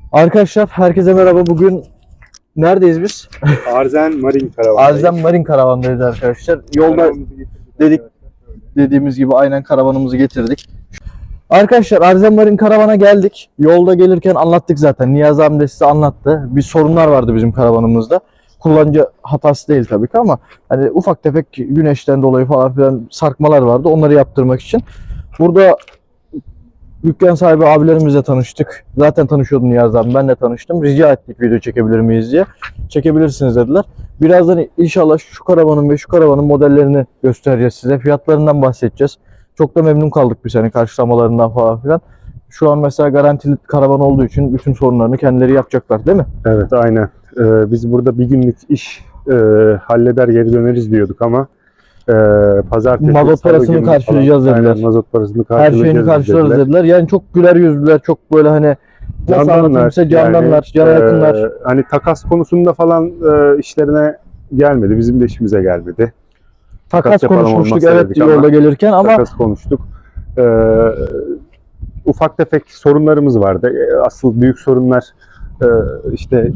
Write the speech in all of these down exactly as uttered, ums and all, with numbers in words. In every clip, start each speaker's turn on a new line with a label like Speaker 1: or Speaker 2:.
Speaker 1: Arkadaşlar herkese merhaba. Bugün neredeyiz biz?
Speaker 2: Arzen Marin Karavan'dayız.
Speaker 1: Arzen Marin Karavan'dayız arkadaşlar. Yolda dedik dediğimiz gibi aynen karavanımızı getirdik. Arkadaşlar Arzen Marin Karavan'a geldik. Yolda gelirken anlattık zaten. Niyazi abi de size anlattı. Bir sorunlar vardı bizim karavanımızda. Kullanıcı hatası değil tabii ki ama hani ufak tefek güneşten dolayı falan filan sarkmalar vardı. Onları yaptırmak için. Burada dükkan sahibi abilerimizle tanıştık. Zaten tanışıyordum Niyazi abi. Ben de tanıştım. Rica ettik video çekebilir miyiz diye. Çekebilirsiniz dediler. Birazdan inşallah şu karavanın ve şu karavanın modellerini göstereceğiz size. Fiyatlarından bahsedeceğiz. Çok da memnun kaldık biz hani karşılamalarından falan filan. Şu an mesela garantili karavan olduğu için bütün sorunlarını kendileri yapacaklar değil mi?
Speaker 2: Evet, aynen. Ee, biz burada bir günlük iş e, halleder geri döneriz diyorduk ama e, pazartesi,
Speaker 1: Mazot
Speaker 2: salı
Speaker 1: parasını
Speaker 2: günü
Speaker 1: karşılayacağız
Speaker 2: falan,
Speaker 1: dediler.
Speaker 2: aynen, mazot parasını
Speaker 1: Her
Speaker 2: karşılayacağız
Speaker 1: şeyini karşılarız
Speaker 2: dediler.
Speaker 1: dediler. Yani çok güler yüzlüler, çok böyle hani nasıl anlatayım size, candanlar, cana yakınlar.
Speaker 2: e, hani takas konusunda falan e, işlerine gelmedi. Bizim de işimize gelmedi.
Speaker 1: Takas
Speaker 2: yapalım
Speaker 1: konuşmuştuk
Speaker 2: olmazsa
Speaker 1: evet
Speaker 2: dedik ama
Speaker 1: yolda gelirken ama
Speaker 2: Takas konuştuk. E, ufak tefek sorunlarımız vardı. E, asıl büyük sorunlar e, işte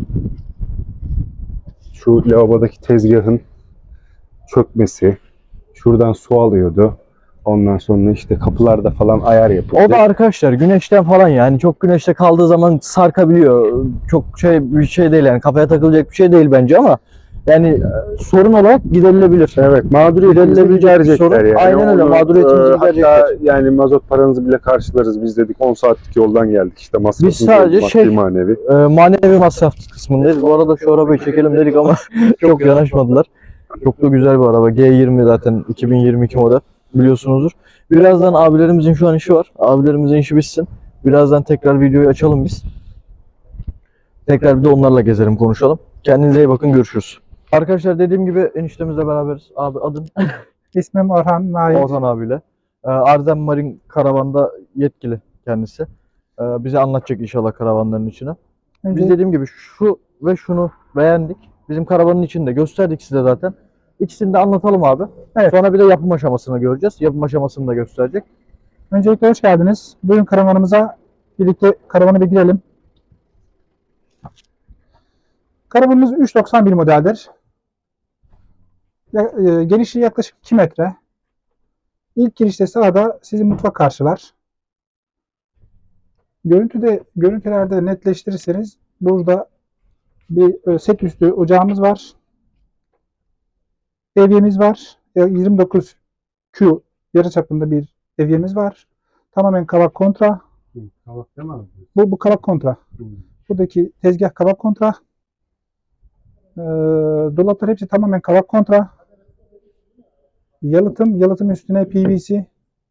Speaker 2: şu lavabodaki tezgahın çökmesi, şuradan su alıyordu. Ondan sonra işte kapılarda falan ayar yapıldı.
Speaker 1: o da arkadaşlar güneşten falan yani çok güneşte kaldığı zaman sarkabiliyor. Çok şey bir şey değil yani kafaya takılacak bir şey değil bence ama yani e, sorun olarak giderilebilir.
Speaker 2: Evet, mağduriyetimizi
Speaker 1: Giderilebilecek bir
Speaker 2: giderecekler
Speaker 1: sorun.
Speaker 2: yani.
Speaker 1: Aynen öyle,
Speaker 2: Onu,
Speaker 1: mağduriyetimizi
Speaker 2: e,
Speaker 1: giderecekler.
Speaker 2: Hatta yani mazot paranızı bile karşılarız biz dedik. on saatlik yoldan geldik işte masrafımız
Speaker 1: Biz sadece
Speaker 2: maddi
Speaker 1: şey-
Speaker 2: manevi.
Speaker 1: E, manevi masraf kısmındayız. Bu arada şu arabayı çekelim dedik ama çok yanaşmadılar. Çok da güzel bir araba. G yirmi zaten iki bin yirmi iki model biliyorsunuzdur. Birazdan abilerimizin şu an işi var. Abilerimizin işi bitsin. Birazdan tekrar videoyu açalım biz. Tekrar bir de onlarla gezelim, konuşalım. Kendinize iyi bakın, görüşürüz. Arkadaşlar dediğim gibi eniştemizle beraberiz. Abi adın
Speaker 3: İsmim Orhan Nail.
Speaker 1: Orhan abiyle. Ee, Arzen Marin Karavan'da yetkili kendisi. Ee, bize anlatacak inşallah karavanların içine.
Speaker 3: Önce
Speaker 1: Biz dediğim gibi şu ve şunu beğendik. Bizim karavanın içinde gösterdik size zaten. İkisini de anlatalım abi.
Speaker 3: Evet.
Speaker 1: Sonra bir de yapım aşamasını göreceğiz. Yapım aşamasını da gösterecek.
Speaker 3: öncelikle hoş geldiniz. Bugün karavanımıza birlikte karavanı bir girelim. Karavanımız üç doksan bir modeldir. Ya- e, Genişliği yaklaşık iki metre. İlk girişte sağda sizi mutfak karşılar. Görüntüde görüntülerde netleştirirseniz burada bir e, set üstü ocağımız var. Evyemiz var. E, yirmi dokuz Q yarıçapında bir evyemiz var. Tamamen kavak kontra.
Speaker 2: Kavak değil mi abi?
Speaker 3: Bu, bu kavak kontra. Buradaki tezgah kavak kontra. Ee, dolaplar hepsi tamamen kavak kontra. Yalıtım, yalıtım üstüne P V C.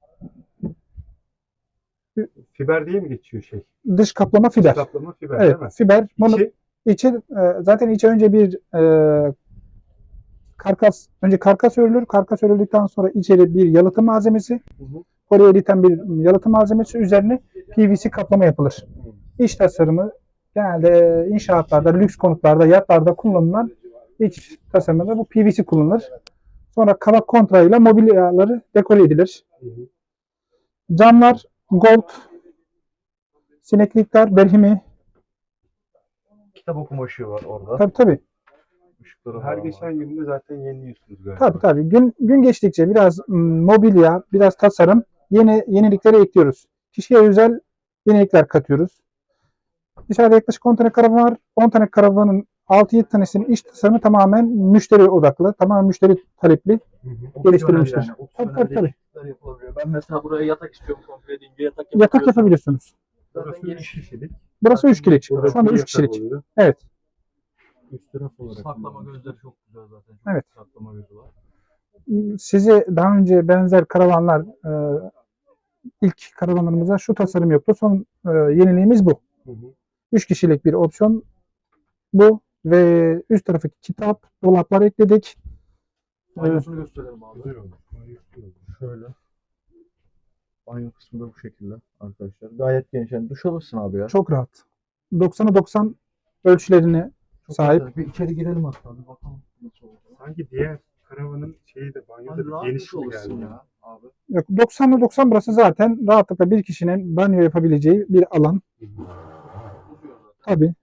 Speaker 2: Fiber diye mi geçiyor şey?
Speaker 3: Dış kaplama fiber.
Speaker 2: Kaplama fiber
Speaker 3: Evet,
Speaker 2: değil mi?
Speaker 3: fiber. Bunu
Speaker 2: İçi,
Speaker 3: içi e, zaten içe önce bir e, karkas, önce karkas örülür. Karkas örüldükten sonra içeri bir yalıtım malzemesi,
Speaker 2: Hı hı.
Speaker 3: poliuretan bir yalıtım malzemesi üzerine P V C kaplama yapılır. İç tasarımı genelde inşaatlarda, lüks konutlarda, yatlarda kullanılan iç tasarımında bu P V C kullanılır. Sonra kavak kontra ile mobilyaları dekore edilir.
Speaker 2: Hı hı.
Speaker 3: Camlar gold, sineklikler berhimi.
Speaker 1: Kitap okuma ışığı var orada.
Speaker 3: Tabii tabii.
Speaker 2: Her geçen günde zaten yeniliyorsunuz galiba.
Speaker 3: Tabii tabii. Gün gün geçtikçe biraz mm, mobilya, biraz tasarım, yeni yenilikleri ekliyoruz. Kişiye özel yenilikler katıyoruz. Dışarıda yaklaşık on tane karavan var. on tane karavanın altı yedi tanesinin iç tasarımı tamamen müşteri odaklı, tamamen müşteri talepli geliştirilmiştir.
Speaker 1: Yani,
Speaker 3: Tabii tabii tabii.
Speaker 1: yapılabiliyor. Ben mesela buraya yatak istiyorum komple deyince yatak
Speaker 3: Yatak
Speaker 1: yapabiliyorsun.
Speaker 3: yapabiliyorsunuz.
Speaker 1: Zaten geniş kişilik.
Speaker 3: Burası üç kişilik.
Speaker 2: Burada
Speaker 3: Şu anda
Speaker 2: bir
Speaker 3: üç
Speaker 2: yatak
Speaker 3: kişilik.
Speaker 2: oluyor.
Speaker 3: Evet.
Speaker 2: Üst taraf olarak.
Speaker 1: Saklama gözleri çok güzel zaten. Çok
Speaker 3: Evet.
Speaker 1: Saklama gözü var.
Speaker 3: Size daha önce benzer karavanlar e, ilk karavanlarımızda şu tasarım yoktu. Son e, yeniliğimiz bu.
Speaker 2: Hı hı.
Speaker 3: üç kişilik bir opsiyon bu ve üst tarafı kitap, dolaplar ekledik.
Speaker 1: Banyosunu gösterelim abi.
Speaker 2: Güzel olmuş. Güzel olmuş.
Speaker 1: Şöyle. Banyo kısmı da bu şekilde arkadaşlar. Gayet geniş. Yani duş alırsın abi ya.
Speaker 3: Çok rahat. doksana doksan ölçülerine
Speaker 1: Çok
Speaker 3: sahip.
Speaker 1: güzel. Bir içeri girelim hatta bir bakalım nasıl olacak.
Speaker 2: Sanki diğer karavanın şeyi de banyoda
Speaker 1: Hani
Speaker 2: bir
Speaker 1: rahat
Speaker 2: geniş
Speaker 1: duş
Speaker 2: mi
Speaker 1: alırsın
Speaker 2: geldi?
Speaker 1: ya abi.
Speaker 3: Yok, doksanla doksan burası zaten rahatlıkla bir kişinin banyo yapabileceği bir alan.
Speaker 1: Uzuyor zaten.
Speaker 3: Tabii.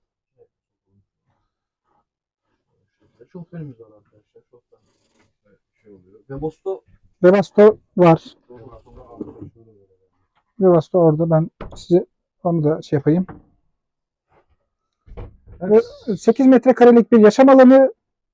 Speaker 1: Şoförümüz var arkadaşlar. Şoför şey oluyor. Ve Bosto
Speaker 3: Webasto var. Webasto orada, ben size onu da şey yapayım. Ve sekiz metrekarelik bir yaşam alanı.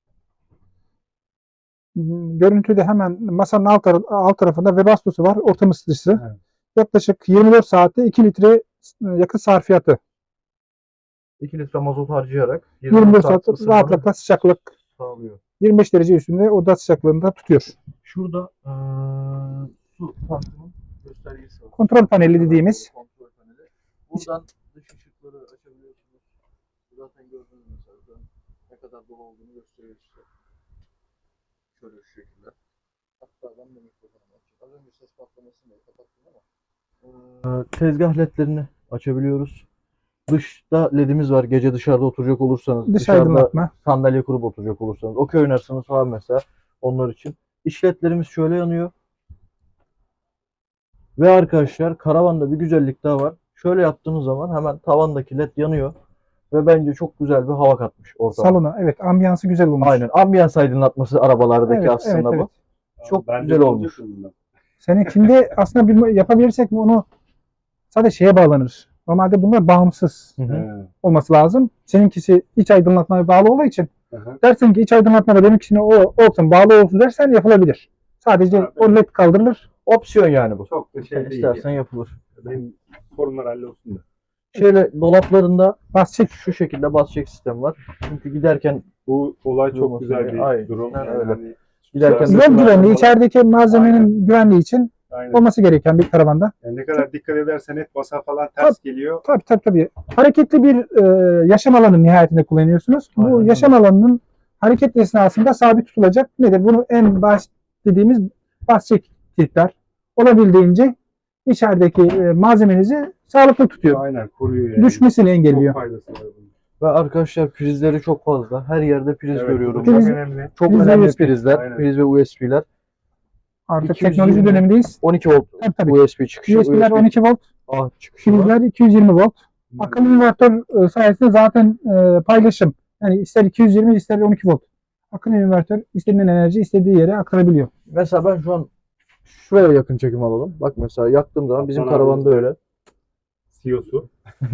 Speaker 3: Görüntüde hemen masanın alt, tar- alt tarafında Webasto'su var. Ortam ısıtıcısı.
Speaker 2: Evet.
Speaker 3: Yaklaşık yirmi dört saatte iki litre yakıt sarfiyatı.
Speaker 1: iki litre mazot harcayarak
Speaker 3: yirmi dört saat
Speaker 1: ısınmanı
Speaker 3: rahatlıkla sıcaklık
Speaker 1: sağlıyor.
Speaker 3: yirmi beş derece üstünde oda sıcaklığında tutuyor.
Speaker 1: Şurada eee su tankının göstergesi var.
Speaker 3: Kontrol paneli dediğimiz.
Speaker 1: Kontrol paneli. Buradan dış ışıkları açabiliyorsunuz. Zaten gördüğünüz mesela buradan ne kadar dolu olduğunu gösteriyor size. Şöyle şu şekilde. Hatta ben de mikrofonumu açayım. Az önce ses patlamasını kapattım ama. Eee tezgah ledlerini açabiliyoruz. Dışta ledimiz var. Gece dışarıda oturacak olursanız,
Speaker 3: Dış
Speaker 1: dışarıda
Speaker 3: aydınlatma.
Speaker 1: sandalye kurup oturacak olursanız, okey oynarsanız falan mesela onlar için. İç ledlerimiz şöyle yanıyor. Ve arkadaşlar karavanda bir güzellik daha var. Şöyle yaptığınız zaman hemen tavandaki led yanıyor. Ve bence çok güzel bir hava katmış ortama.
Speaker 3: Salona. Evet, ambiyansı güzel olmuş.
Speaker 1: Aynen. Ambiyans aydınlatması arabalardaki
Speaker 3: Evet,
Speaker 1: aslında
Speaker 3: evet,
Speaker 1: bu.
Speaker 3: evet.
Speaker 1: Çok
Speaker 2: Ben de
Speaker 1: güzel olmuş.
Speaker 2: olacaktım bundan.
Speaker 3: Seninkinde aslında bir yapabilirsek mi onu sadece şeye bağlanır. Normalde bunlar bağımsız
Speaker 1: Hı hı.
Speaker 2: He.
Speaker 3: olması lazım. Seninkisi iç aydınlatmaya bağlı olduğu için
Speaker 2: Aha.
Speaker 3: dersen ki iç aydınlatmada benimkisine o olsun, bağlı olsun dersen yapılabilir. Sadece
Speaker 2: Abi.
Speaker 3: o led kaldırılır.
Speaker 1: Opsiyon yani bu.
Speaker 2: Çok da şey değil.
Speaker 1: İstersen
Speaker 2: Yani.
Speaker 1: yapılır.
Speaker 2: Benim sorunlar hallolsun da.
Speaker 1: Şöyle dolaplarında
Speaker 3: Bas çek.
Speaker 1: şu şekilde bas çek sistemi var. Çünkü giderken
Speaker 2: Bu olay çok
Speaker 1: Durması
Speaker 2: güzel
Speaker 1: diye.
Speaker 2: bir
Speaker 1: Aynen,
Speaker 2: durum. Yani
Speaker 1: öyle.
Speaker 2: hani
Speaker 1: Giderken
Speaker 2: Yol
Speaker 3: Yol
Speaker 1: Mesela-
Speaker 3: güvenliği, içerideki malzemenin güvenliği için
Speaker 2: aynen.
Speaker 3: olması gereken bir karavanda.
Speaker 2: Yani ne kadar dikkat edersen et basa falan ters geliyor.
Speaker 3: Tabii tabii tabii. Hareketli bir e, yaşam alanı nihayetinde kullanıyorsunuz. Bu
Speaker 1: Aynen öyle.
Speaker 3: yaşam alanının hareket esnasında sabit tutulacak. Nedir? Bunu en baş dediğimiz bas çek kilitler. Olabildiğince içerideki e, malzemenizi sağlıklı tutuyor.
Speaker 2: Aynen koruyor yani.
Speaker 3: Düşmesini engelliyor.
Speaker 2: Çok faydası var bunun.
Speaker 1: ve arkadaşlar prizleri çok fazla. Her yerde priz
Speaker 2: Evet,
Speaker 1: görüyorum.
Speaker 2: bu
Speaker 3: Priz-
Speaker 2: çok önemli.
Speaker 1: Çok
Speaker 3: priz ve
Speaker 1: önemli
Speaker 3: U S B.
Speaker 1: prizler.
Speaker 2: Aynen.
Speaker 1: Priz ve U S B'ler.
Speaker 3: Artık
Speaker 1: iki yüz
Speaker 3: teknoloji
Speaker 1: yirmi
Speaker 3: dönemindeyiz.
Speaker 1: on iki volt
Speaker 3: Tabii tabii.
Speaker 1: U S B çıkışı.
Speaker 3: U S B'ler on iki volt,
Speaker 1: A çıkışı var.
Speaker 3: prizler iki yüz yirmi volt. Akıllı invertör e, sayesinde zaten e, paylaşım. Yani ister iki yüz yirmi ister on iki volt. Akıllı invertör istediğin enerji istediği yere aktarabiliyor.
Speaker 1: Mesela ben şu an şuraya yakın çekim alalım. Bak mesela yaktığım zaman bizim
Speaker 2: Aman abi.
Speaker 1: karavanda öyle.
Speaker 2: C E O'su.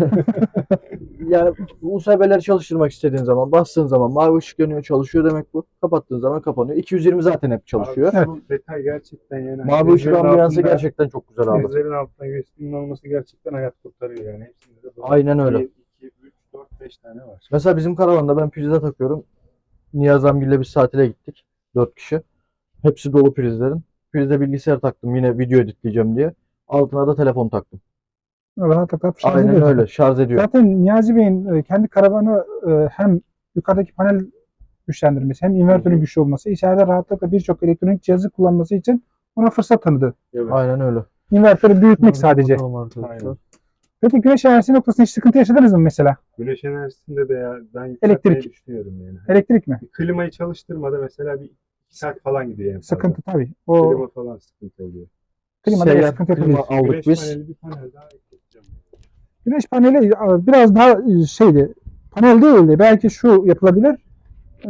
Speaker 1: Yani U S B'leri çalıştırmak istediğin zaman bastığın zaman mavi ışık yanıyor, çalışıyor demek bu. Kapattığın zaman kapanıyor. iki yüz yirmi zaten hep çalışıyor.
Speaker 2: Abi, şu detay gerçekten yani.
Speaker 1: Mavi ışık
Speaker 2: Prizlerin
Speaker 1: ambiyansı
Speaker 2: altında-
Speaker 1: gerçekten çok güzel abi.
Speaker 2: Prizlerin altında U S B'nin olması gerçekten hayat kurtarıyor yani. Hepsinde de böyle
Speaker 1: Aynen öyle.
Speaker 2: bir, iki, üç, dört, beş tane var.
Speaker 1: Mesela bizim karavanda ben prize takıyorum. Niyaz Amgil'le biz tatile gittik. dört kişi. Hepsi dolu prizlerin. Prize bilgisayar taktım yine video editleyeceğim diye. Altına da telefon taktım.
Speaker 3: Rahatlıkla şarj
Speaker 1: Aynen
Speaker 3: ediyor.
Speaker 1: öyle. Şarj ediyor.
Speaker 3: Zaten Niyazi Bey'in e, kendi karavanı e, hem yukarıdaki panel güçlendirmesi hem invertörün güçlü olması, içeride rahatlıkla birçok elektronik cihazı kullanması için ona fırsat tanıdı.
Speaker 2: Evet.
Speaker 1: Aynen öyle.
Speaker 3: İnvertörü büyütmek sadece.
Speaker 1: Bakalım arkadaşlar.
Speaker 2: Aynen.
Speaker 3: Peki güneş enerjisi noktasında hiç sıkıntı yaşadınız mı mesela?
Speaker 2: Güneş enerjisinde de ya ben
Speaker 3: Elektrik.
Speaker 2: yükseltmeyi düşünüyorum yani.
Speaker 3: Elektrik mi?
Speaker 2: Bir klimayı çalıştırmada mesela bir iki saat falan gidiyor en fazla.
Speaker 3: Sıkıntı tabii. O
Speaker 2: Klima falan sıkıntı oluyor.
Speaker 3: klimada
Speaker 1: Seyyar
Speaker 3: sıkıntı
Speaker 1: klima
Speaker 3: yapabilir.
Speaker 1: aldık
Speaker 2: Güneş
Speaker 1: biz.
Speaker 2: paneli bir panel daha ekleyeceğim.
Speaker 3: Güneş paneli e, biraz daha e, şeydi. Panel değildi. Belki şu yapılabilir. E,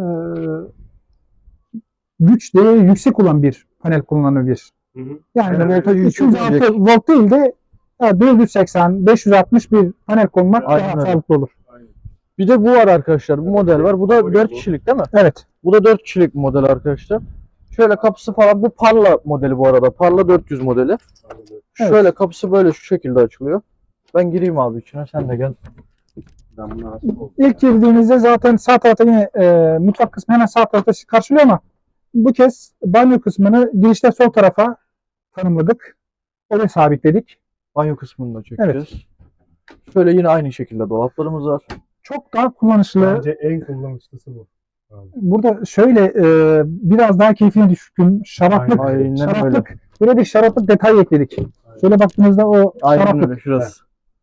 Speaker 3: güç değeri yüksek olan bir panel kullanılabilir.
Speaker 2: Hı hı.
Speaker 3: Yani
Speaker 1: Yani voltajı
Speaker 3: üç yüz altı
Speaker 1: yükseltecek.
Speaker 3: volt değil de ya dört yüz seksen beş yüz altmış bir panel konmak
Speaker 1: Aynen
Speaker 3: daha
Speaker 1: öyle.
Speaker 3: sağlıklı olur.
Speaker 2: Aynen.
Speaker 1: Bir de bu var arkadaşlar. Bu model var. Bu da
Speaker 2: Bu-
Speaker 1: dört
Speaker 2: bu.
Speaker 1: kişilik değil mi?
Speaker 3: Evet.
Speaker 1: Bu da dört kişilik bir model arkadaşlar. Şöyle kapısı falan. Bu Parla modeli bu arada. Parla dört yüz modeli.
Speaker 2: Anladım.
Speaker 3: Evet.
Speaker 1: Şöyle kapısı böyle şu şekilde açılıyor. Ben gireyim abi içine. Sen de gel.
Speaker 2: Ben buna hasta oldum.
Speaker 3: İlk girdiğinizde zaten sağ tarafta yine e, mutfak kısmı hemen sağ tarafta sizi karşılıyor ama bu kez banyo kısmını girişte sol tarafa tanımladık. Oraya sabitledik.
Speaker 1: Banyo kısmını da çekeceğiz. Şöyle yine aynı şekilde dolaplarımız var.
Speaker 3: Çok daha kullanışlı.
Speaker 2: Bence en kullanışlısı bu. Abi.
Speaker 3: Burada şöyle e, biraz daha keyfine düşkün şaraplık,
Speaker 1: Aynen öyle.
Speaker 3: şaraplık böyle bir şaraplık detay ekledik. Şöyle baktığınızda o
Speaker 1: Aynen
Speaker 3: şaraplık.
Speaker 1: öyle şurası.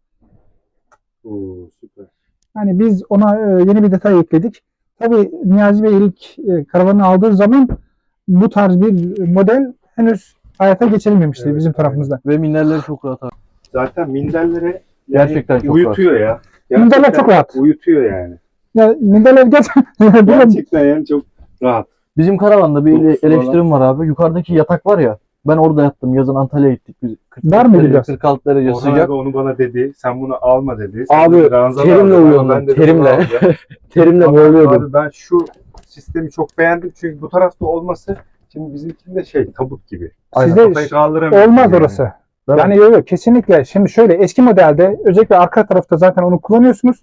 Speaker 2: Oo süper.
Speaker 3: Yani biz ona e, yeni bir detay ekledik. Tabii Niyazi Bey ilk e, karavanı aldığı zaman bu tarz bir model henüz hayata geçirilmemişti
Speaker 2: Evet,
Speaker 3: bizim tarafımızda.
Speaker 1: Ve minderleri çok rahat abi.
Speaker 2: Zaten minderlere
Speaker 1: Gerçekten çok
Speaker 2: uyutuyor ya.
Speaker 3: Minderler çok rahat.
Speaker 2: Uyutuyor yani.
Speaker 3: Ya, minderler gerçekten
Speaker 2: Gerçekten yani çok rahat.
Speaker 1: Bizim karavanda bir ele-
Speaker 2: Dokusu
Speaker 1: eleştirim var abi. Yukarıdaki yatak var ya. Ben orada yattım. Yazın Antalya'ya gittik biz. kırk
Speaker 3: Var mıydı
Speaker 1: derece,
Speaker 3: biraz?
Speaker 1: kırk altı derece
Speaker 2: Orhan
Speaker 1: sıcak.
Speaker 2: abi onu bana dedi. Sen bunu alma dedi. Sen
Speaker 1: Abi,
Speaker 2: dedi, ranzalı
Speaker 1: terimle
Speaker 2: al dedi.
Speaker 1: uyuyordum,
Speaker 2: Ben dedim,
Speaker 1: terimle.
Speaker 2: bunu alacağım.
Speaker 1: Terimle
Speaker 2: Abi,
Speaker 1: boğuluyordum.
Speaker 2: Abi ben şu sistemi çok beğendim. Çünkü bu tarafta olması şimdi bizimkinde şey tabut gibi.
Speaker 3: Sizde
Speaker 2: Kafayı kaldıramıyor.
Speaker 3: olmaz
Speaker 2: yani.
Speaker 3: orası.
Speaker 1: Değil mi?
Speaker 3: Yani yok yok kesinlikle. Şimdi şöyle eski modelde özellikle arka tarafta zaten onu kullanıyorsunuz.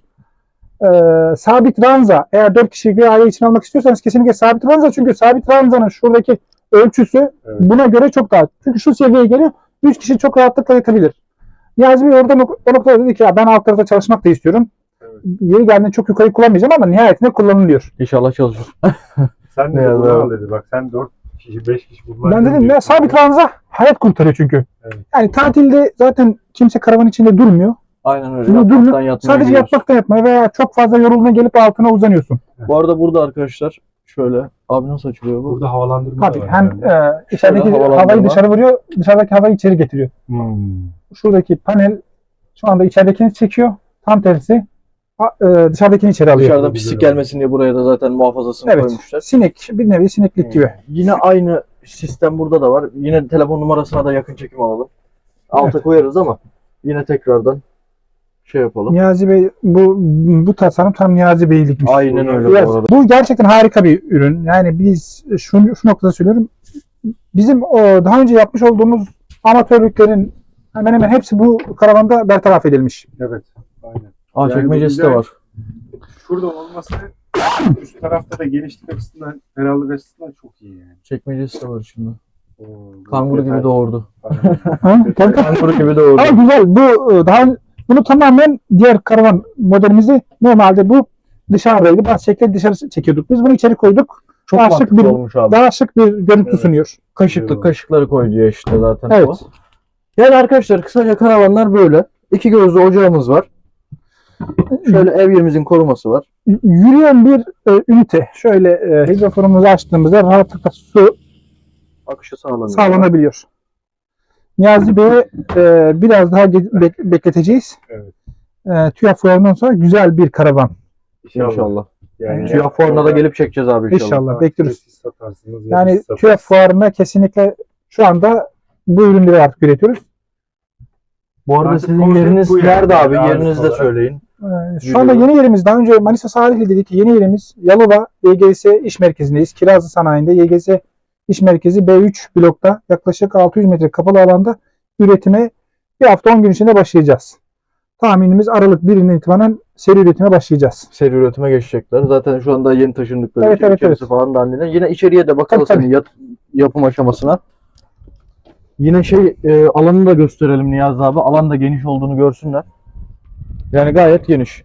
Speaker 3: Ee, sabit ranza eğer dört kişilik bir aile için almak istiyorsanız kesinlikle sabit ranza, çünkü sabit ranzanın şuradaki ölçüsü
Speaker 2: Evet.
Speaker 3: buna göre çok daha. Çünkü şu seviyeye geliyor. üç kişi çok rahatlıkla yatabilir. Niyazi Bey orada o noktada dedi ki ya ben alt tarafta çalışmak da istiyorum.
Speaker 2: Evet.
Speaker 3: Yeri geldiğinde çok yukarı kullanmayacağım ama nihayetinde kullanılıyor.
Speaker 1: İnşallah çalışır.
Speaker 2: Sen
Speaker 1: Ne
Speaker 2: de bunu
Speaker 1: yazar?
Speaker 2: al dedi. Bak sen dört kişi beş kişi bunlar.
Speaker 3: Ben dedim ya sabit ranza hayat kurtarıyor çünkü.
Speaker 2: Evet.
Speaker 3: Yani tatilde zaten kimse karavan içinde durmuyor.
Speaker 1: Aynen öyle.
Speaker 3: Bunu
Speaker 1: Yatmaktan
Speaker 3: durma-
Speaker 1: yatmaya
Speaker 3: Sadece
Speaker 1: gidiyoruz.
Speaker 3: yatmakta yatmaya veya çok fazla yorulduğuna gelip altına uzanıyorsun.
Speaker 1: Bu arada burada arkadaşlar şöyle. Abi nasıl açılıyor bu?
Speaker 2: Burada havalandırma
Speaker 3: Tabii
Speaker 2: da var.
Speaker 3: hem
Speaker 2: herhalde.
Speaker 3: e, içerideki
Speaker 1: Şöyle havalandırma.
Speaker 3: havayı dışarı vuruyor, dışarıdaki havayı içeri getiriyor.
Speaker 2: Hmm.
Speaker 3: Şuradaki panel şu anda içeridekini çekiyor. Tam tersi a- e, dışarıdakini içeri alıyor.
Speaker 1: Dışarıdan pislik gelmesin diye buraya da zaten muhafazasını
Speaker 3: Evet.
Speaker 1: koymuşlar.
Speaker 3: Sinek, bir nevi sineklik gibi.
Speaker 1: Yine aynı sistem burada da var. Yine telefon numarasına da yakın çekim alalım. Alta koyarız ama yine tekrardan şey yapalım.
Speaker 3: Niyazi Bey bu bu tasarım tam Niyazi Bey'likmiş.
Speaker 1: Aynen öyle
Speaker 3: Biraz-
Speaker 1: bu arada.
Speaker 3: bu gerçekten harika bir ürün. Yani biz şu, şu noktada söylüyorum. Bizim o daha önce yapmış olduğumuz amatörlüklerin hemen hemen hepsi bu karavanda bertaraf edilmiş.
Speaker 2: Evet. Aynen.
Speaker 1: Aa
Speaker 2: Yani
Speaker 1: çekmecesi
Speaker 2: bu
Speaker 1: de
Speaker 2: güzel.
Speaker 1: var.
Speaker 2: Şurada olması üst tarafta da genişlik açısından, ferahlık açısından çok iyi yani.
Speaker 1: Çekmecesi de var içinde.
Speaker 2: Oo, bu
Speaker 1: Kanguru gibi
Speaker 2: detay-
Speaker 1: doğurdu.
Speaker 3: Ha? Tabii.
Speaker 1: Kanguru gibi doğurdu.
Speaker 3: Ama güzel. Bu e, daha bunu tamamen diğer karavan modelimizi normalde bu dışarıdaydı. Bazı şekilde dışarı çekiyorduk. Biz bunu içeri koyduk.
Speaker 1: Çok
Speaker 3: daha şık
Speaker 1: mantıklı
Speaker 3: bir-
Speaker 1: olmuş abi.
Speaker 3: Daha şık bir görüntü
Speaker 2: Evet.
Speaker 3: sunuyor.
Speaker 1: Kaşıklık kaşıkları koyuyor işte zaten.
Speaker 3: Evet.
Speaker 1: o. Yani arkadaşlar kısaca karavanlar böyle. İki gözlü ocağımız var. Şöyle evyemizin koruması var.
Speaker 3: Y- Yürüyen bir e, ünite. Şöyle e, hidrofonumuzu açtığımızda rahatlıkla su
Speaker 1: Akışı sağlanıyor.
Speaker 3: sağlanabiliyor. Niyazi Bey'e e, biraz daha ge- bek- bekleteceğiz.
Speaker 2: Evet.
Speaker 3: E, TÜYAP fuarından sonra güzel bir karavan.
Speaker 1: İnşallah.
Speaker 2: Yani
Speaker 1: TÜYAP fuarına da gelip çekeceğiz abi inşallah.
Speaker 3: İnşallah bekliyoruz.
Speaker 2: Siz satarsınız ya
Speaker 3: Yani
Speaker 2: biz satarız.
Speaker 3: TÜYAP fuarına kesinlikle şu anda bu ürünleri artık üretiyoruz.
Speaker 1: Bu arada
Speaker 2: Artık
Speaker 1: sizin
Speaker 2: konsept
Speaker 1: yeriniz
Speaker 2: bu yani.
Speaker 1: nerede abi?
Speaker 2: Yani
Speaker 1: Yerinizi de
Speaker 2: olarak.
Speaker 1: söyleyin.
Speaker 3: Ee, Şu anda yeni yerimiz, daha önce Manisa Salihli dedik. Yeni yerimiz Yalova Y G S İş Merkezi'ndeyiz. Kirazlı Sanayi'nde Y G S İş Merkezi B üç blokta yaklaşık altı yüz metre kapalı alanda üretime bir hafta on gün içinde başlayacağız. Tahminimiz Aralık birinden itibaren seri üretime başlayacağız.
Speaker 1: Seri üretime geçecekler. Zaten şu anda yeni taşındıkları
Speaker 3: Evet,
Speaker 1: için
Speaker 3: evet,
Speaker 1: içerisi
Speaker 3: evet.
Speaker 1: falan da halinde. Yine içeriye de bakalım
Speaker 3: Tabii,
Speaker 1: senin yat- yapım aşamasına. Yine şey e, alanını da gösterelim Niyazi abi. Alan da geniş olduğunu görsünler. Yani gayet geniş.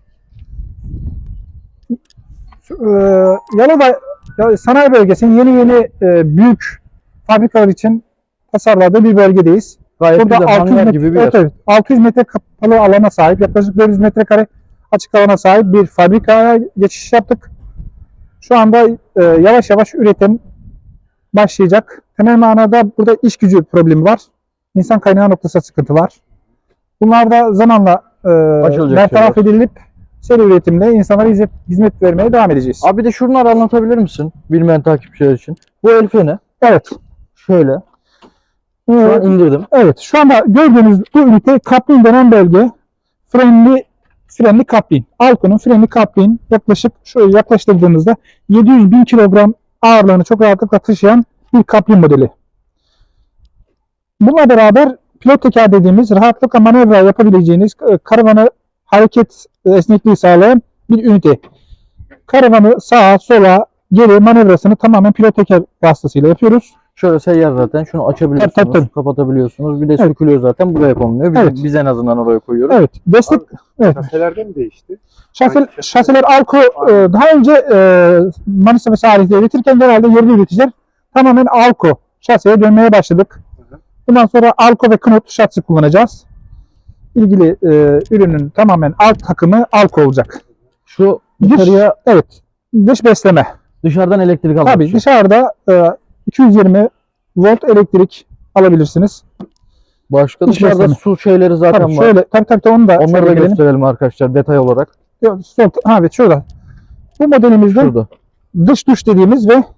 Speaker 3: Ee, Yalova ya- Sanayi Bölgesi'nin yeni yeni e, büyük fabrikalar için tasarladığı bir bölgedeyiz.
Speaker 1: Gayet
Speaker 3: Burada
Speaker 1: güzel
Speaker 3: altı yüz
Speaker 1: hangar
Speaker 3: metre,
Speaker 1: gibi bir yer.
Speaker 3: evet, evet, altı yüz metre kapalı alana sahip, yaklaşık dört yüz metrekare açık alana sahip bir fabrikaya geçiş yaptık. Şu anda e, yavaş yavaş üretim başlayacak. Temel manada burada iş gücü problemi var. İnsan kaynağı noktasında sıkıntı var. Bunlar da zamanla e,
Speaker 1: Açılacak
Speaker 3: bertaraf
Speaker 1: şeyler.
Speaker 3: edilip seri üretimle insanlara hizmet, hizmet vermeye devam edeceğiz.
Speaker 1: Abi de şunları anlatabilir misin? Bilmeyen takipçiler için. Bu el feni.
Speaker 3: Evet.
Speaker 1: Şöyle. Şu
Speaker 3: Ee,
Speaker 1: an indirdim.
Speaker 3: Evet, şu anda gördüğünüz bu ünite kaplin denen belge. Frenli frenli kaplin. Alko'nun frenli kaplin yaklaşık şöyle yaklaştırdığınızda yedi yüz bin kilogram ağırlığını çok rahatlıkla taşıyan bir kaplin modeli. Bununla beraber pilot teker dediğimiz rahatlıkla manevra yapabileceğiniz e, karavanı hareket e, esnekliği sağlayan bir ünite. Karavanı sağa sola geri manevrasını tamamen pilot teker vasıtasıyla yapıyoruz.
Speaker 1: Şöyle seyyar zaten. Şunu açabiliyorsunuz,
Speaker 3: Tabii, tabii, tabii.
Speaker 1: kapatabiliyorsunuz. Bir de
Speaker 3: Evet.
Speaker 1: sökülüyor zaten. Buraya konuluyor. Biz,
Speaker 3: Evet.
Speaker 1: biz en azından oraya koyuyoruz.
Speaker 3: Evet, destek evet.
Speaker 2: Kaselerde mi değişti?
Speaker 3: Şase,
Speaker 2: Hangi şase?
Speaker 3: şaseler Alko e, daha önce e, Manisa ve Salih'te üretirken genelde yerli üreticiler tamamen Alko şaseye dönmeye başladık.
Speaker 2: Hı hı.
Speaker 3: Bundan sonra Alko ve Knut şasi kullanacağız. İlgili e, ürünün tamamen alt takımı Alko olacak.
Speaker 1: Şu
Speaker 3: Dış,
Speaker 1: dışarıya
Speaker 3: evet, dış besleme.
Speaker 1: dışarıdan elektrik almak
Speaker 3: Tabii
Speaker 1: için.
Speaker 3: dışarıda e, iki yüz yirmi volt elektrik alabilirsiniz.
Speaker 1: Başka
Speaker 3: Dış
Speaker 1: dışarıda
Speaker 3: besleme.
Speaker 1: su şeyleri zaten
Speaker 3: Tabii
Speaker 1: var.
Speaker 3: şöyle, tabii tabii tabii, onu da
Speaker 1: Onları
Speaker 3: şöyle
Speaker 1: da
Speaker 3: gelelim.
Speaker 1: gösterelim arkadaşlar detay olarak.
Speaker 3: Yok, sol, ha, evet şurada. Bu modelimizde
Speaker 1: Şurada.
Speaker 3: dış duş dediğimiz ve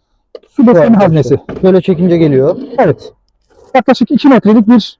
Speaker 3: su besleme
Speaker 1: arkadaşlar.
Speaker 3: haznesi.
Speaker 1: Şöyle çekince geliyor.
Speaker 3: Evet. Yaklaşık iki metrelik bir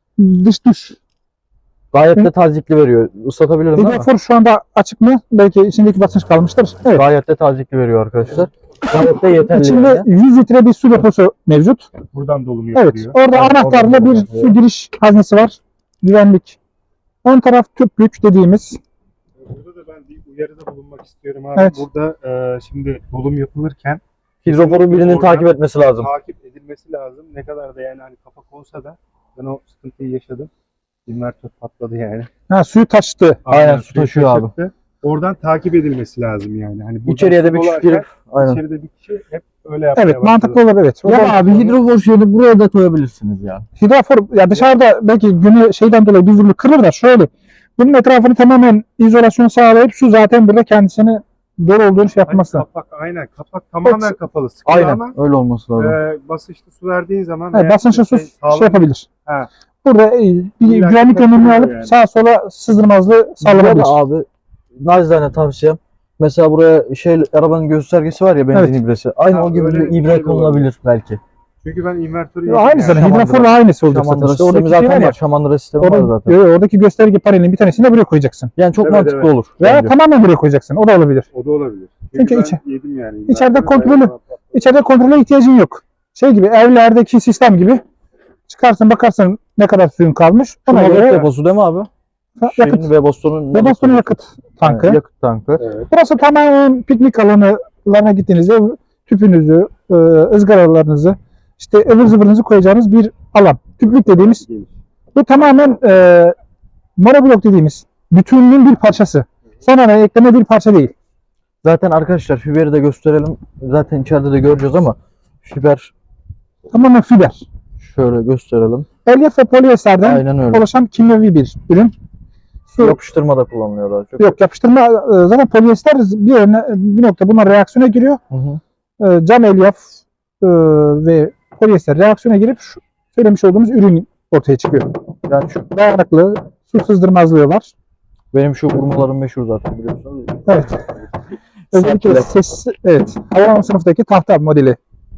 Speaker 3: dış duş.
Speaker 1: Gayet
Speaker 3: Hı.
Speaker 1: de tazikli veriyor. Islatabilirim değil mi?
Speaker 3: Hidrofor şu anda açık mı? Belki içindeki basınç kalmıştır. Evet.
Speaker 1: Gayet de tazikli veriyor arkadaşlar. Gayet de yeterli.
Speaker 3: İçinde
Speaker 1: yani.
Speaker 3: yüz litre bir su deposu mevcut.
Speaker 2: Buradan dolum
Speaker 3: Evet.
Speaker 2: yapılıyor.
Speaker 3: Orada
Speaker 1: Evet,
Speaker 3: anahtarla
Speaker 1: oradan
Speaker 3: bir
Speaker 1: yapılıyor.
Speaker 3: su giriş haznesi var. Güvenlik. Ön taraf tüplük dediğimiz.
Speaker 2: Burada da ben bir uyarıda bulunmak istiyorum abi.
Speaker 3: Evet.
Speaker 2: Burada e, şimdi dolum yapılırken
Speaker 1: Hidroforu birinin
Speaker 2: Oradan
Speaker 1: takip etmesi lazım.
Speaker 2: takip edilmesi lazım. Ne kadar da yani hani kafa konsa da ben o sıkıntıyı yaşadım. İnvertör patladı yani.
Speaker 3: Ha, suyu taştı.
Speaker 1: Aynen, su
Speaker 2: suyu
Speaker 1: taşıyor abi.
Speaker 2: taşıttı. Oradan takip edilmesi lazım yani. Hani buradan
Speaker 1: İçeriye de bir
Speaker 2: su
Speaker 1: kişi
Speaker 2: dolarken
Speaker 1: girip aynen.
Speaker 2: içeride bir kişi hep öyle yapmaya
Speaker 3: Evet, mantıklı olur, evet. O
Speaker 1: Ya
Speaker 3: da-
Speaker 1: abi hidrofor şeyini buraya da koyabilirsiniz ya.
Speaker 3: Hidrofor ya dışarıda belki günü şeyden dolayı bir vurulur kırılır da şöyle. Bunun etrafını tamamen izolasyon sağlayıp su zaten burada kendisini dolu olduğunu şey
Speaker 2: Hani
Speaker 3: yapması.
Speaker 2: kapak aynen kapak tamamen
Speaker 3: Evet.
Speaker 2: kapalı sıkı
Speaker 1: Aynen
Speaker 2: ama
Speaker 1: öyle olması lazım.
Speaker 2: e, basınçlı su verdiğin zaman
Speaker 3: Evet,
Speaker 2: eğer
Speaker 3: basınçlı su
Speaker 2: şey
Speaker 3: şey
Speaker 2: sağlam-
Speaker 3: yapabilir.
Speaker 2: Ha.
Speaker 3: Burada e, bir
Speaker 2: İlla
Speaker 3: güvenlik
Speaker 2: ki
Speaker 3: önlemini
Speaker 2: kontrol
Speaker 3: alıp
Speaker 2: yani.
Speaker 3: sağa sola sızdırmazlığı sağlanabilir.
Speaker 1: Burada abi nacizane tavsiyem. Mesela buraya şey arabanın göstergesi var ya benzin
Speaker 3: Evet.
Speaker 1: ibresi. Aynı
Speaker 2: Ha,
Speaker 1: o gibi
Speaker 2: öyle
Speaker 1: bir
Speaker 2: bir
Speaker 1: ibre
Speaker 2: şey de
Speaker 1: konulabilir belki.
Speaker 2: Çünkü ben invertörü
Speaker 3: Ya
Speaker 2: yedim
Speaker 3: aynı
Speaker 2: yani.
Speaker 3: zaten
Speaker 1: Şamandıra-
Speaker 3: hidroforla aynısı olacak zaten.
Speaker 1: Şamandıra
Speaker 3: İşte
Speaker 1: sistemi
Speaker 3: oradaki şey var
Speaker 1: zaten
Speaker 3: ya,
Speaker 1: var. Şamandıra sistemi var
Speaker 3: Oradaki,
Speaker 1: zaten.
Speaker 3: yo, yo, oradaki gösterge panelinin bir tanesini de buraya koyacaksın.
Speaker 1: Yani çok
Speaker 2: Evet,
Speaker 1: mantıklı
Speaker 2: evet.
Speaker 1: olur.
Speaker 3: Veya
Speaker 1: bence.
Speaker 3: tamamen buraya koyacaksın. O da olabilir.
Speaker 2: O da olabilir.
Speaker 3: Çünkü
Speaker 2: ben
Speaker 3: içe-
Speaker 2: yedim yani.
Speaker 3: içeride
Speaker 2: İnvertörü
Speaker 3: kontrolü-
Speaker 2: bayağı-
Speaker 3: İçeride kontrole ihtiyacın yok. Şey gibi, evlerdeki sistem gibi çıkarsın bakarsın ne kadar suyun kalmış.
Speaker 1: Şu
Speaker 3: Ona
Speaker 1: mazot
Speaker 3: göre
Speaker 1: deposu değil mi abi?
Speaker 3: ha,
Speaker 1: Şeyin
Speaker 3: yakıt.
Speaker 1: Webasto'nun
Speaker 3: Ve bastonun yakıt tankı.
Speaker 1: Yani yakıt tankı.
Speaker 2: Evet.
Speaker 3: Burası tamamen piknik alanlarına gittiğinizde tüpünüzü, e, ızgaralarınızı, işte ıvır zıvırınızı koyacağınız bir alan. Tüplük dediğimiz bu tamamen e, monoblok dediğimiz bütünlüğün bir parçası. Sonra ekleme bir parça değil.
Speaker 1: Zaten arkadaşlar fiberi de gösterelim. Zaten içeride de göreceğiz ama fiber
Speaker 3: Tamamen fiber.
Speaker 1: şöyle gösterelim.
Speaker 3: Elyaf ve polyesterden
Speaker 1: Aynen öyle.
Speaker 3: oluşan kimyevi bir ürün. Su,
Speaker 1: Yapıştırmada kullanılıyor daha çok.
Speaker 3: yok yapıştırma e, zaten polyester bir yerine, bir nokta bunlar reaksiyona giriyor.
Speaker 1: Hı hı.
Speaker 3: E, cam elyaf e, ve polyester reaksiyona girip şu söylemiş olduğumuz ürün ortaya çıkıyor.
Speaker 1: Yani şu
Speaker 3: Dayanıklı, su sızdırmazlığı var.
Speaker 1: benim şu vurmalarım meşhur zaten biliyorsunuz.
Speaker 3: Evet. Özellikle
Speaker 1: Sertler.
Speaker 3: ses, evet. Havalama sınıftaki tahta modeli.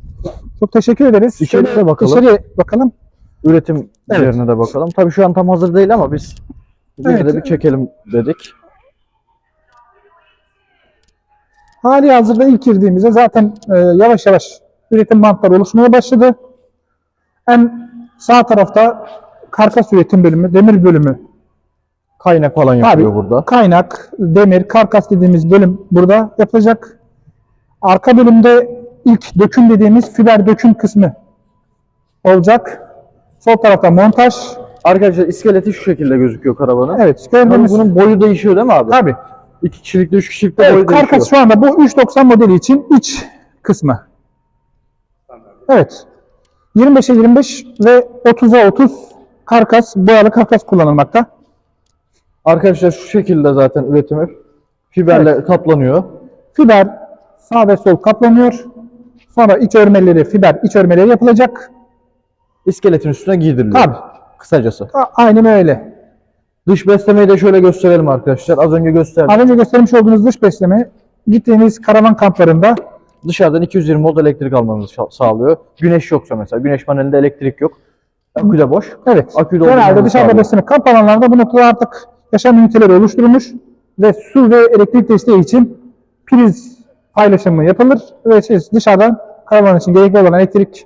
Speaker 3: Çok teşekkür ederiz.
Speaker 1: İçeriye
Speaker 3: Şöyle
Speaker 1: de bakalım.
Speaker 3: İçeriye bakalım.
Speaker 1: Üretim
Speaker 3: Evet.
Speaker 1: yerine de bakalım. Tabii şu an tam hazır değil ama biz yine
Speaker 3: Evet.
Speaker 1: de bir çekelim dedik.
Speaker 3: Hali hazırda ilk girdiğimizde zaten e, yavaş yavaş üretim bantları oluşmaya başladı. En sağ tarafta karkas üretim bölümü, demir bölümü.
Speaker 1: Kaynak falan yapılıyor burada.
Speaker 3: Kaynak, demir, karkas dediğimiz bölüm burada yapılacak. Arka bölümde ilk döküm dediğimiz fiber döküm kısmı olacak. Sol tarafta montaj.
Speaker 1: Arkadaşlar iskeleti şu şekilde gözüküyor karavanın.
Speaker 3: Evet,
Speaker 1: Tabii
Speaker 3: gördüğünüz
Speaker 1: bunun boyu değişiyor değil mi abi?
Speaker 3: tabii.
Speaker 1: İki kişilikte, üç kişilikte
Speaker 3: Evet,
Speaker 1: boyu değişiyor.
Speaker 3: karkas şu anda bu üç doksan modeli için iç kısmı. Evet. yirmi beşe yirmi beş ve otuza otuz karkas, boyalı karkas kullanılmakta.
Speaker 1: Arkadaşlar şu şekilde zaten üretimi fiberle kaplanıyor.
Speaker 3: Fiber sağ ve sol kaplanıyor. Sonra iç örmeleri, fiber iç örmeleri yapılacak.
Speaker 1: İskeletin üstüne giydiriliyor.
Speaker 3: Tabii.
Speaker 1: Kısacası.
Speaker 3: A- Aynen öyle.
Speaker 1: Dış beslemeyi de şöyle gösterelim arkadaşlar. Az önce gösterdim.
Speaker 3: Az önce göstermiş olduğunuz dış besleme gittiğiniz karavan kamplarında
Speaker 1: Dışarıdan iki yüz yirmi volt elektrik almanızı şa- sağlıyor. Güneş yoksa mesela. Güneş panelinde elektrik yok. Akü de boş.
Speaker 3: evet.
Speaker 1: Akü de
Speaker 3: Genelde
Speaker 1: olduğunu
Speaker 3: dışarıda
Speaker 1: sağlıyor.
Speaker 3: besleme kamp alanlarında bu noktada artık yaşam üniteleri oluşturulmuş ve su ve elektrik desteği için priz paylaşımı yapılır ve siz dışarıdan karavan için gerekli olan elektrik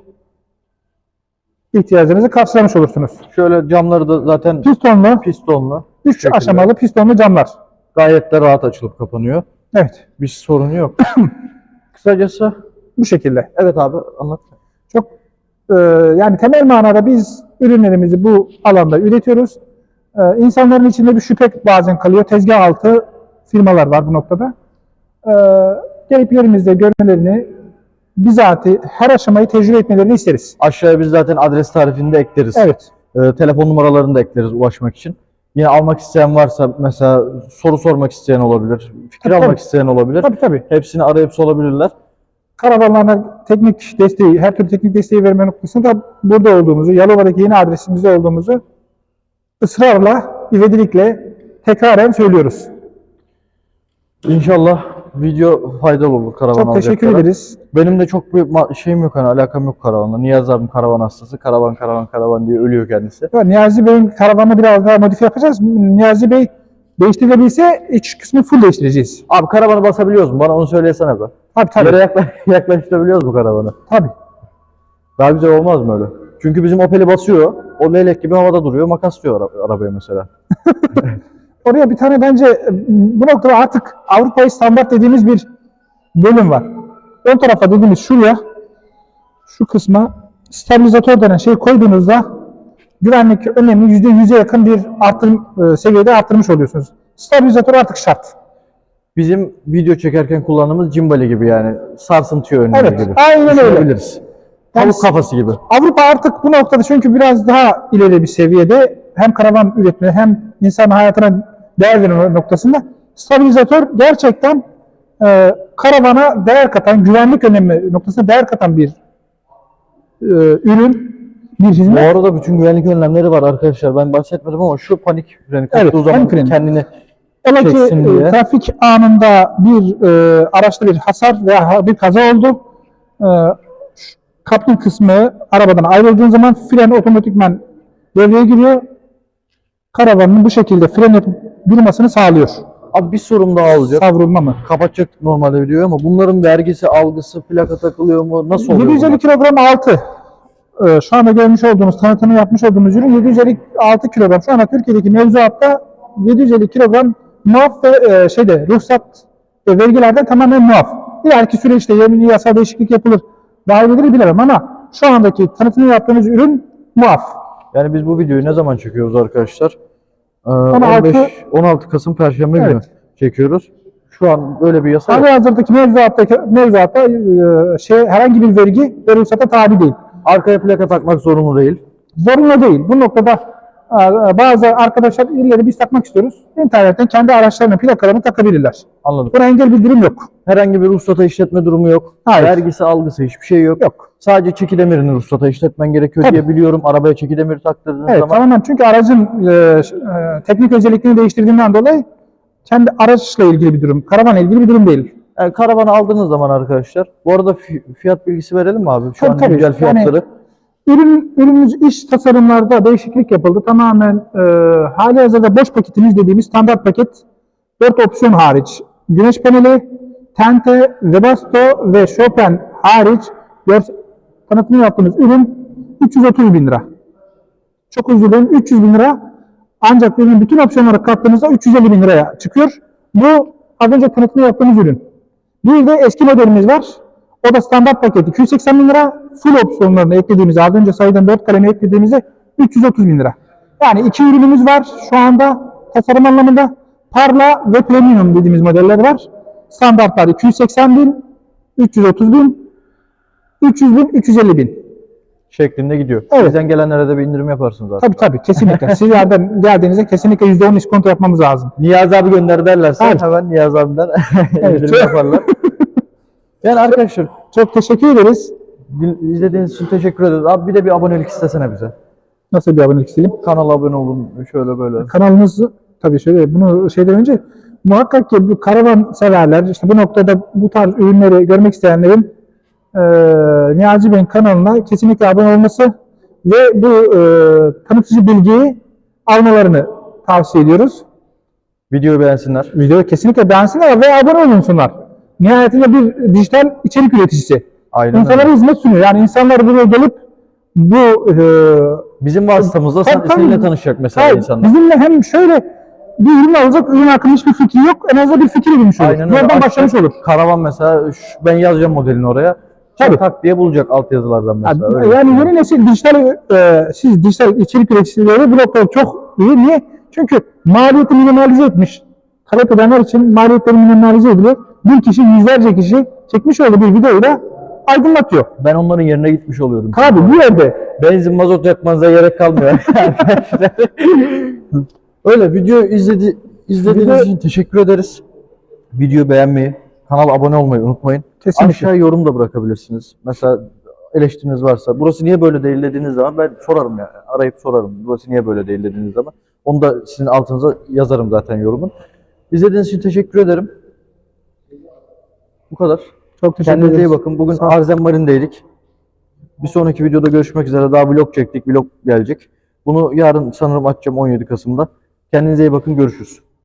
Speaker 3: ihtiyacınızı karşılamış olursunuz.
Speaker 1: Şöyle camları da zaten
Speaker 3: Pistonlu,
Speaker 1: pistonlu.
Speaker 3: üç
Speaker 1: şekilde.
Speaker 3: aşamalı pistonlu camlar.
Speaker 1: Gayet de rahat açılıp kapanıyor.
Speaker 3: Evet,
Speaker 1: Bir sorunu yok. Kısacası
Speaker 3: bu şekilde.
Speaker 1: evet abi anlat.
Speaker 3: Çok e, yani temel manada biz ürünlerimizi bu alanda üretiyoruz. E, insanların içinde bir şüphe bazen kalıyor. Tezgah altı firmalar var bu noktada. E, gelip yerimizde görmelerini, bizatihi her aşamayı tecrübe etmelerini isteriz.
Speaker 1: Aşağıya biz zaten adres tarifini de ekleriz.
Speaker 3: Evet.
Speaker 1: Ee, telefon numaralarını da ekleriz ulaşmak için. Yine almak isteyen varsa mesela soru sormak isteyen olabilir. Fikir
Speaker 3: Tabii,
Speaker 1: almak
Speaker 3: tabii.
Speaker 1: isteyen olabilir.
Speaker 3: Tabii tabii.
Speaker 1: Hepsini arayıp sorabilirler.
Speaker 3: karavanlarına teknik desteği, her türlü teknik desteği verme noktasında burada olduğumuzu, Yalova'daki yeni adresimizde olduğumuzu ısrarla, ivedilikle tekraren söylüyoruz.
Speaker 1: İnşallah video faydalı olur karavan
Speaker 3: Çok teşekkür
Speaker 1: alacaklara.
Speaker 3: ederiz.
Speaker 1: Benim de çok bir ma- şeyim yok, hani alakam yok karavanla. Niyazi abim karavan hastası. Karavan karavan karavan diye ölüyor kendisi.
Speaker 3: Evet, Niyazi Bey'in karavanını biraz daha modifiye yapacağız. Niyazi Bey değiştirilebilse iç kısmı full değiştireceğiz.
Speaker 1: Abi karavanı basabiliyoruz mu? Bana onu söylesene be.
Speaker 3: Tabii tabii.
Speaker 1: Yere yakla yaklaştırabiliyoruz mu karavanı?
Speaker 3: Tabii.
Speaker 1: Daha güzel olmaz mı öyle? Çünkü bizim Opel'i basıyor. O leylek gibi havada duruyor. Makaslıyor ara- arabaya mesela.
Speaker 3: Oraya bir tane bence bu noktada artık Avrupa'yı standart dediğimiz bir bölüm var. Ön tarafa dediğimiz şuraya, şu kısma stabilizatör denen şeyi koyduğunuzda güvenlik önlemini yüzde yüze yakın bir artırım e, seviyede arttırmış oluyorsunuz. Stabilizatör artık şart.
Speaker 1: Bizim video çekerken kullandığımız cimbali gibi yani. Sarsıntı önlemi
Speaker 3: Evet,
Speaker 1: gibi.
Speaker 3: aynen öyle.
Speaker 1: Düşünebiliriz.
Speaker 3: Yani
Speaker 1: Tavuk kafası gibi.
Speaker 3: Avrupa artık bu noktada çünkü biraz daha ileri bir seviyede hem karavan üretme hem insan hayatına değer verme noktasında stabilizatör gerçekten e, karavana değer katan, güvenlik önlemi noktasında değer katan bir e, ürün, bir
Speaker 1: Bu
Speaker 3: hizmet.
Speaker 1: arada bütün güvenlik önlemleri var arkadaşlar. Ben bahsetmedim ama şu panik freni
Speaker 3: Evet,
Speaker 1: koptuğu zaman
Speaker 3: panik freni.
Speaker 1: kendini
Speaker 3: Ola ki
Speaker 1: çeksin
Speaker 3: e,
Speaker 1: diye.
Speaker 3: trafik anında bir e, araçta bir hasar veya bir kaza oldu. E, şu kaplı kısmı arabadan ayrıldığın zaman fren otomatikman devreye giriyor. Karavanın bu şekilde fren yapıp durmasını sağlıyor.
Speaker 1: Abi bir sorum daha olacak.
Speaker 3: Savrulma mı?
Speaker 1: Kapatacaktık normalde videoyu ama bunların vergisi, algısı, plaka takılıyor mu? Nasıl oluyor?
Speaker 3: yedi yüz elli
Speaker 1: bunlar?
Speaker 3: kilogram altı. Ee, şu anda görmüş olduğunuz, tanıtımı yapmış olduğumuz ürün yedi yüz elli altı kilogram. Şu anda Türkiye'deki mevzuatta yedi yüz elli kilogram muaf ve e, şeyde ruhsat ve vergilerden tamamen muaf. İleriki süreçte yeni yasal değişiklik yapılır. Dahil edilir bilemem ama şu andaki tanıtımı yaptığımız ürün muaf.
Speaker 1: Yani biz bu videoyu ne zaman çekiyoruz arkadaşlar? Ee,
Speaker 3: on altı
Speaker 1: on beş on altı Kasım Perşembe günü
Speaker 3: Evet.
Speaker 1: çekiyoruz. Şu an böyle bir yasa yok.
Speaker 3: Hali hazırdaki mevzuattaki mevzuatta e, şey herhangi bir vergi ve ruhsata tabi değil.
Speaker 1: Arkaya plaka takmak zorunlu değil.
Speaker 3: Zorunlu değil. Bu noktada e, bazı arkadaşlar illeri biz takmak istiyoruz. İnternetten kendi araçlarına plakalarını takabilirler.
Speaker 1: Anladım.
Speaker 3: Buna engel bir durum yok.
Speaker 1: Herhangi bir ruhsata işletme durumu yok.
Speaker 3: Hayır.
Speaker 1: Vergisi, algısı hiçbir şey yok.
Speaker 3: Yok.
Speaker 1: Sadece çeki demirini ruhsata işletmen gerekiyor
Speaker 3: Tabii.
Speaker 1: diye biliyorum. Arabaya çeki demiri taktırdığınız
Speaker 3: Evet,
Speaker 1: zaman
Speaker 3: tamamen çünkü aracın e, e, teknik özelliklerini değiştirdiğinden dolayı kendi araçla ilgili bir durum, karavanla ilgili bir durum değil.
Speaker 1: yani karavanı aldığınız zaman arkadaşlar. Bu arada fi- fiyat bilgisi verelim mi abi? Şu
Speaker 3: Tabii,
Speaker 1: an
Speaker 3: tabii.
Speaker 1: güncel fiyatları.
Speaker 3: Yani ürün ürünümüz iç tasarımlarda değişiklik yapıldı. Tamamen e, hali hazırda boş paketimiz dediğimiz standart paket dört opsiyon hariç. Güneş paneli, tente, Webasto ve Chopin hariç gör- tanıtımını yaptığımız ürün üç yüz otuz bin lira. Çok özür dilerim, üç yüz bin lira. Ancak ürünün bütün opsiyonları kattığınızda üç yüz elli bin liraya çıkıyor. Bu az önce tanıtımını yaptığımız ürün. Bir de eski modelimiz var. O da standart paket iki yüz seksen bin lira. Full opsiyonlarını eklediğimizde, az önce sayıdan dört kalemi eklediğimizde üç yüz otuz bin lira. Yani iki ürünümüz var şu anda tasarım anlamında. Parla ve Premium dediğimiz modeller var. Standartlar iki yüz seksen bin, üç yüz otuz bin, üç yüz bin, üç yüz elli bin.
Speaker 1: Şeklinde gidiyor.
Speaker 3: Evet.
Speaker 1: Bizden gelenlere de bir indirim yaparsınız zaten.
Speaker 3: Tabii tabii, kesinlikle. Sizlerden geldiğinizde kesinlikle yüzde on iskonto yapmamız lazım.
Speaker 1: Niyazi abi gönder derlerse
Speaker 3: Evet.
Speaker 1: hemen Niyazi abimden
Speaker 3: Evet.
Speaker 1: indirim yaparlar. Yani arkadaşlar
Speaker 3: Çok teşekkür ederiz.
Speaker 1: din- izlediğiniz için teşekkür ederiz. Abi bir de bir abonelik istesene bize.
Speaker 3: Nasıl bir abonelik isteyelim?
Speaker 1: Kanala abone olun şöyle böyle.
Speaker 3: Kanalımız tabii şöyle, bunu şeyden önce muhakkak ki bu karavan severler, işte bu noktada bu tarz ürünleri görmek isteyenlerin e, Niyazi Bey'in kanalına kesinlikle abone olması ve bu e, tanıtıcı bilgiyi almalarını tavsiye ediyoruz.
Speaker 1: Videoyu beğensinler.
Speaker 3: Videoyu kesinlikle beğensinler ve abone olunsunlar. Nihayetinde bir dijital içerik üreticisi.
Speaker 1: Aynen
Speaker 3: İnsanlara
Speaker 1: öyle.
Speaker 3: hizmet sunuyor. Yani insanlar buraya gelip bu e,
Speaker 1: Bizim vasıtamızla sen,
Speaker 3: Tabii, tabii.
Speaker 1: seninle tanışacak mesela
Speaker 3: hayır,
Speaker 1: insanlar.
Speaker 3: bizimle hem şöyle bir ürün alacak, ürün hakkında hiçbir fikri yok. En azından bir fikir edinmiş olur.
Speaker 1: Aynen öyle.
Speaker 3: Buradan
Speaker 1: Açacak,
Speaker 3: başlamış olur.
Speaker 1: Karavan mesela şu- ben yazacağım modelini oraya.
Speaker 3: Tabii.
Speaker 1: Tak diye bulacak altyazılardan mesela.
Speaker 3: Yani,
Speaker 1: öyle.
Speaker 3: yani yeni nesil dijital, e, siz dijital içerik üreticileri bu noktada çok iyi. Niye? Çünkü maliyeti minimalize etmiş. Talep edenler için maliyetleri minimalize ediliyor. Bir kişi, yüzlerce kişi çekmiş olduğu bir videoyu da aydınlatıyor.
Speaker 1: Ben onların yerine gitmiş oluyorum.
Speaker 3: Tabii bu yerde
Speaker 1: Benzin mazot yakmanıza gerek kalmıyor arkadaşlar. Öyle video izledi izlediğiniz
Speaker 3: Video-
Speaker 1: için teşekkür ederiz. Videoyu beğenmeyi, Kanala abone olmayı unutmayın.
Speaker 3: Kesinlikle.
Speaker 1: Aşağıya yorum da bırakabilirsiniz. Mesela eleştiriniz varsa, burası niye böyle değil dediğiniz zaman ben sorarım yani. Arayıp sorarım. Burası niye böyle değil dediğiniz zaman. Onu da sizin altınıza yazarım zaten yorumun. İzlediğiniz için teşekkür ederim. Bu kadar.
Speaker 3: Çok teşekkür
Speaker 1: Kendinize iyi
Speaker 3: ederiz.
Speaker 1: bakın. Bugün
Speaker 3: Sağ ol.
Speaker 1: Arzen Marin'deydik. Bir sonraki videoda görüşmek üzere. Daha vlog çektik. Vlog gelecek. Bunu yarın sanırım açacağım on yedi Kasım'da. Kendinize iyi bakın. Görüşürüz.